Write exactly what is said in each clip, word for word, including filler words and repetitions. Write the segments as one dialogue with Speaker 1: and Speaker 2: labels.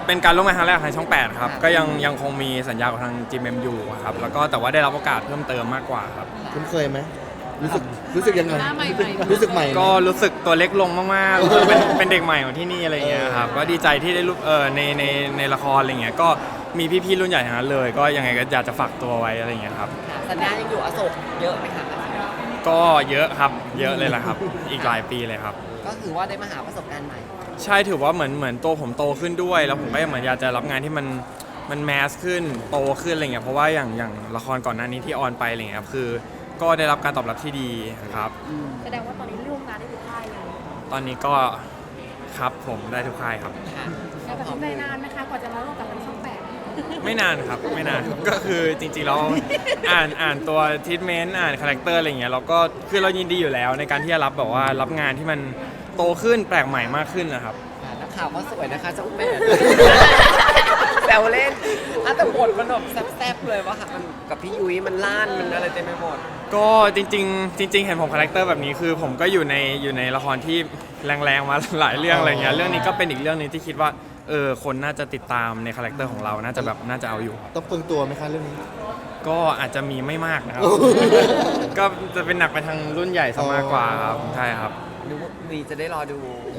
Speaker 1: เป็นการร่วมงานครั้งแรกทางช่องแปดครับก็ยังยังคงมีสัญญากับทาง จี เอ็ม เอ็ม อยู่ครับแล้วก็แต่ว่าได้รับโอกาสเพิ่มเติมมากกว่าครับ
Speaker 2: คุ้นเคยไหมรู้สึกรู้สึกยังไง
Speaker 3: หน้าใหม่ๆ
Speaker 2: รู้สึกใหม่ไหม
Speaker 1: ก็รู้สึกตัวเล็กลงมากๆเป็นเป็นเด็กใหม่ของที่นี่อะไรเงี้ยครับก็ดีใจที่ได้รู้เออในในในละครอะไรเงี้ยก็มีพี่ๆรุ่นใหญ่ทั้งนั้นเลย ก็ยังไงก็อยากจะฝากตัวไว้อะไรเงี้ยครับ
Speaker 3: ค่ะสัญญายังอยู่อโศกเยอะไหมคะ
Speaker 1: ก็เยอะครับเยอะเลยแหละครับ อีกหลายปีเลยครับ
Speaker 3: ก็ถือว่าได้มาหาประสบการณ์ใหม่
Speaker 1: ใช่ถือว่าเหมือนเหมือนตัวผมโตขึ้นด้วย แล้วผมก็เหมือนอยากจะรับงานที่มันมันแมสขึ้นโตขึ้นอะไรเงี้ยเพราะว่าอย่างอย่างละครก่อนหน้านี้ที่ออนไปอะไรเงี้ยครับคือก็ได้รับการตอบรับที่ดีครับ
Speaker 4: แสดงว่าตอนนี้ร่วมงานได้ทุกค่ายเลย
Speaker 1: ตอนนี้ก็ครับผมได้ทุกค่ายครับ
Speaker 3: ค่ะ
Speaker 4: แล้วตัดสินใจนานไหมคะกว่าจะมาร่วมกับทางช่องแปด
Speaker 1: ไม่นานครับไม่นานก็คือจริงๆเราอ่านอ่านตัวทิทเมนต์อ่านคาแรคเตอร์อะไรเงี้ยเราก็คือเรายินดีอยู่แล้วในการที่จะรับแบบว่ารับงานที่มันโตขึ้นแปลกใหม่มากขึ้นนะครับ
Speaker 3: ค่ะนักข่าวก็สวยนะคะช่องแปดแซวเล่นอ่ะแต่บทมันแบบแซ่บๆเลยว่าค่ะมันกับพี่ยุ้ยมันล่านมันอะไรเต็มไปหมด
Speaker 1: ก็จริงๆจริง ๆ เห็นผมคาแรคเตอร์แบบนี้คือผมก็อยู่ในอยู่ในละครที่แรงๆมาหลายเรื่องอะไรเงี้ยเรื่องนี้ก็เป็นอีกเรื่องหนึงที่คิดว่าเออคนน่าจะติดตามในคาแรคเตอร์ของเราน่าจะแบบน่าจะเอาอยู่ครับ
Speaker 2: ต้องเปลืองตัวไหมคะเรื่องนี้
Speaker 1: ก็อาจจะมีไม่มากนะครับ ก็จะเป็นหนักไปทางรุ่นใหญ่ซะมากกว่าครับใช่ครับ
Speaker 3: ดูมีจะได้รอดู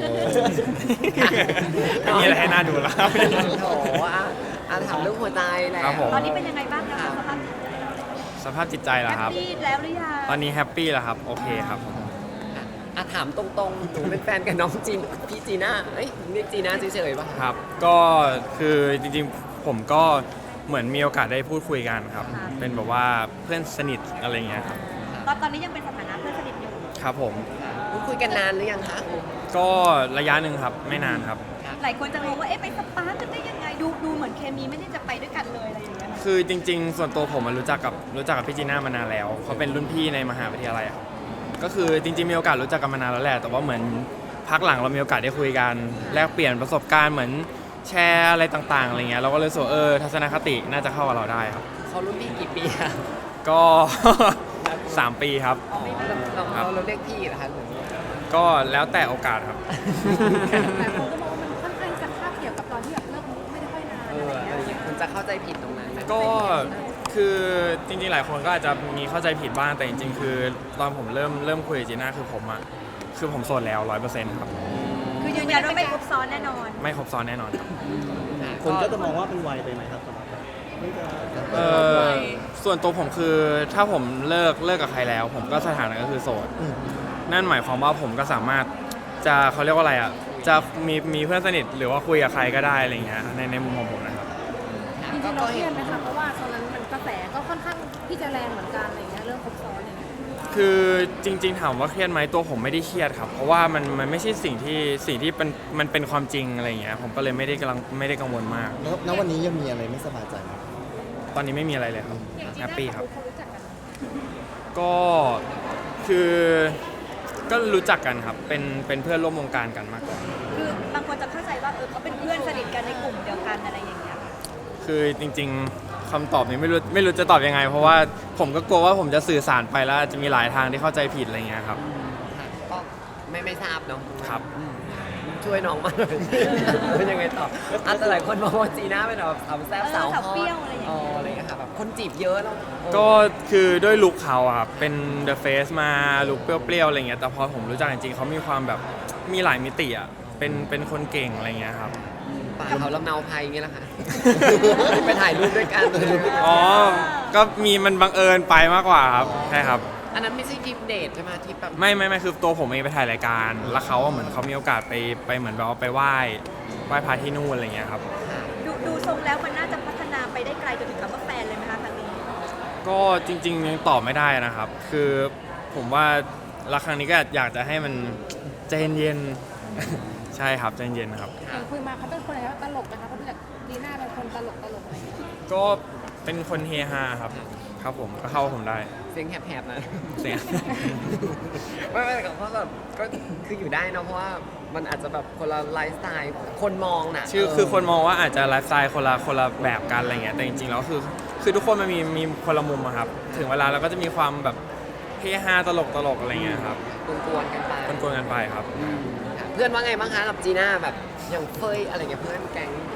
Speaker 1: ไม่มีอะไรให้น่าดูแล้วครับ
Speaker 3: โถอ่ะอ่ะถามเรื่องหัวใจแหละ
Speaker 1: ครับผม
Speaker 4: ตอนนี้เป็นยังไงบ้างคะสภาพ
Speaker 1: สภาพจิตใจล่ะครับ
Speaker 4: แฮปปี้แล้วหรือยัง
Speaker 1: ตอนนี้แฮปปี้แล้วครับโอเคครับผม
Speaker 3: ค่ะอ่ะถามตรงๆหนูเป็นแฟนกับน้องจีนพี่จีน่าเอ้ยเรียกจีน่าเฉยๆป่ะ
Speaker 1: ครับก็คือจริงๆผมก็เหมือนมีโอกาสได้พูดคุยกันครับ เป็นแบบว่าเพื่อนสนิทอะไรเงี้ยครับ
Speaker 4: ตอนตอนนี้ยังเป็นสถานะเพื่อนสนิทอยู่
Speaker 1: ครับผม
Speaker 3: พูดคุยกันนานหรือยังคะ
Speaker 1: ก็ระยะหนึ่งครับไม่นานครับ
Speaker 4: หลายคนจะงงว่าเอ๊ะไปสปาร์กกันได้ยังไงดูดูเหมือนเคมีไม่ได้จะไปด้วยกันเลยอะไรอย่างเงี้ย
Speaker 1: คือจริง ๆ ส่วนตัวผมอะรู้จักกับรู้จักกับพี่จีน่ามานานแล้วเขาเป็นรุ่นพี่ในมหาวิทยาลัยอะก็คือจริงๆมีโอกาสรู้จักกันมานานแล้วแหละแต่ว่าเหมือนพักหลังเรามีโอกาสได้คุยกันแลกเปลี่ยนประสบการณ์เหมือนแชร์อะไรต่างๆอะไรเงี้ยเราก็เลยรู้สึกว่าเออทัศนคติน่าจะเข้ากับเราได้ครับ
Speaker 3: เขารุ่นพี่กี่ปีอะ
Speaker 1: ก็ สามปีครับ
Speaker 3: เราเราเราเรียกพี่เหรอคะหรือ
Speaker 1: ก็แล้วแต่โอกาสครับ
Speaker 4: แต่คนก็มองว่ามันค่อนข้างจะคาบเกี่ยวกับตอนที่แบบเลิกไม่ได้ค่อยนาน
Speaker 3: เอ
Speaker 4: อะไร
Speaker 3: อ
Speaker 4: อย่าง
Speaker 3: อะไร
Speaker 4: เงี้ย
Speaker 3: อย่างเงี้ยคุณจะเข้าใจผิดตรงนั้นไหม
Speaker 1: ก็คือจริงๆหลายคนก็อาจจะมีเข้าใจผิดบ้างแต่จริงๆคือตอนผมเริ่มเริ่มคุยกับจีน่าคือผมอะคือผมโสดแล้วร้อยเปอร์เซ็นต์ครับ
Speaker 4: คือยืนยันว่าไม่ครบซ้อนแน่นอน
Speaker 1: ไม่ครบซ้อนแน่นอนครับ
Speaker 5: คนก็จะมองว่าเป็นวัยไปไหมครับ
Speaker 1: เออส่วนตัวผมคือถ้าผมเลิกเลิกกับใครแล้ว ผมก็สถานะก็คือโสด
Speaker 2: อืม
Speaker 1: นั่นหมายความว่าผมก็สามารถจะเขาเรียกว่าอะไรอ่ะจะมีมีเพื่อนสนิทหรือว่าคุยกับใครก็ได้อะไรเงี้ยในในมุมของผมนะครับ
Speaker 4: จริงๆเราเครียดไหมคะเพราะว่าตอนนั้นมันกระแสก็ค่อนข้างที่จะแรงเหมือนกันอะไรเงี้ยเรื่องครบซ้อนอะไรเงี้ย
Speaker 1: คือจริง ๆ ถามว่าเครียดไหมตัวผมไม่ได้เครียดครับ เพราะว่ามันมันไม่ใช่สิ่งที่สิ่งที่เป็นมันเป็นความจริงอะไรเงี้ยผมก็เลยไม่ได้กำลังไม่ได้กังวลมาก
Speaker 2: แล้วณวันนี้ยังมีอะไรไม่สบายใจไหม
Speaker 1: ตอนนี้ไม่มีอะไรเลยครับแฮปปี้ครับ
Speaker 4: เขารู้จักกัน
Speaker 1: ก็คือก็รู้จักกันครับเป็นเป็นเพื่อนร่วมวงการกันมากกว่า
Speaker 4: คือบางคนจะเข้าใจว่าเออเขาเป็นเพื่อนสนิทกันในกลุ่มเดียวกันอะไรอย่างเงี้ย
Speaker 1: คือจริงๆคำตอบนี้ไม่รู้ไม่รู้จะตอบยังไง เพราะว่าผมก็กลัวว่าผมจะสื่อสารไปแล้วจะมีหลายทางที่เข้าใจผิดอะไรเงี้ยครับ
Speaker 3: ค่ะก็ไม่ไม่ทราบเนาะ
Speaker 1: ครับ
Speaker 3: อืมช่วยน้องมาหน่อยเป็นยังไงต่ออ่ะแต่หลายคนมองว่าจีน่าเป็นแบบสาวแซ่บ
Speaker 4: เออ
Speaker 3: สาว
Speaker 4: สาว
Speaker 3: ฮอ
Speaker 4: เปรี้
Speaker 3: ต
Speaker 4: ยวอะไรอย่างเงี้ย
Speaker 3: อ๋ออะไรอย่างเงี้ยค่ะแบบคนจีบเยอะแล้วเออ
Speaker 1: ก็คือด้วยลุคเขาอะครับเป็น The Face มาลุคเปรี้ยวๆอะไรเงี้ยแต่พอผมรู้จักจริงๆเขามีความแบบมีหลายมิติอะเป็นเป็นคนเก่งอะไรเงี้ยครับ
Speaker 3: ป่าเขาลำเนาภัยอย่างเงี้ยแหละค่ะ ไปถ่ายรูปด้วยกัน
Speaker 1: อ๋อก็มีมันบังเอิญไปมากกว่าครับใช่ครับ
Speaker 3: อันนั้นไม่ใช่ทริปเดทใช่ไหมทริปแบบ
Speaker 1: ไม่ไม่ไม่คือตัวผมเองไปถ่ายรายการ แล้วเขาอะเหมือนเขามีโอกาสไปไปเหมือนแบบว่าไปไหว้ไหว้พระที่นู่นอะไรเงี้ยครับ
Speaker 4: ดูดูทรงแล้วมันน่าจะพัฒนาไปได้ไกลจนถึงคำว่าแฟนเลยไหมคะครั้งนี้
Speaker 1: ก็จริงๆยังตอบไม่ได้นะครับ คือผมว่ารักครั้งนี้ก็อยากจะให้มันใจเย็นๆ ใช่ครับใจเย็นๆนะครับ
Speaker 4: เห็นคุยมาเขาเป็นคนอะไรตลกนะคะเขาดูจากดีน่าเป็นคนตลกตลกอะไรอย่างเงี้ย
Speaker 1: ก็เป็นคนเฮฮาครับ ครับผมก็เข้าผมได้
Speaker 3: เสียงแหบๆนะ
Speaker 1: เสียง
Speaker 3: ไม่ไม่เพราะแบบก็คืออยู่ได้เนอะเพราะว่ามันอาจจะแบบคนละไลฟ์สไตล์คนมองน่ะ
Speaker 1: ชื่อ
Speaker 3: เ
Speaker 1: คือคนมองว่าอาจจะไลฟ์สไตล์คนละคนละแบบกันอะไรเงี้ยแต่จริงๆแล้วคือคือทุกคนมันมีมีคนละมุมอะครับ ถึงเวลาเราก็จะมีความแบบเฮฮาตลกตลกๆอะไรเงี้ยครับ
Speaker 3: กวนๆกันไป
Speaker 1: กวนๆกันไปครับ
Speaker 3: ค่ะเพื่อนว่าไงบ้างคะกับจีน่าแบบอย่างเฟยอะไรเงี้ยเพื่อนแก๊งน้องเขา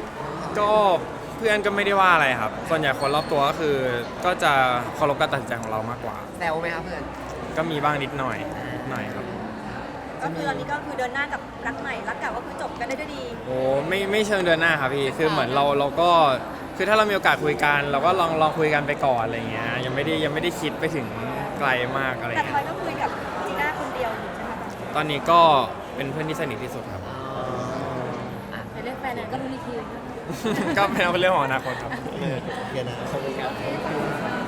Speaker 1: ก็เพื่อนก็ไม่ได้ว่าอะไรครับ ส่วนใหญ่คนรอบตัวก็คือก็จะเคารพการตัดสินใจของเรามากกว่า
Speaker 3: แซวไหมคะเพื่อน
Speaker 1: ก็มีบ้างนิดหน่อยนิดหน่อยครับ
Speaker 6: ก็คือตอนนี้ก็คือเดินหน้ากับรักใหม่รักเก่าก็คือจบกันได้ด้วยดี
Speaker 1: โอ้ไม่ไม่เชิงเดินหน้าครับพี่คือเหมือนเราเราก็คือถ้าเรามีโอกาสคุยกัน เราก็ลองลองคุยกันไปก่อนอะไรเงี้ยยังไม่ได้ยังไม่ได้คิดไปถึงไกลมากอะไร
Speaker 6: แต่ท
Speaker 1: เงี้
Speaker 6: อย
Speaker 1: ย
Speaker 6: ก็คุยกับจีน่าคนเดียวอยู่ใช่ไหมคะ
Speaker 1: ตอนนี้ก็เป็นเพื่อนที่สนิทที่สุดครับ
Speaker 4: ในเรื่องแฟนเนี่ยก็รู้อีกที
Speaker 1: ก็เป็นเรื่องของอนาคตครับ
Speaker 2: เออโอเคนะ
Speaker 4: โอเค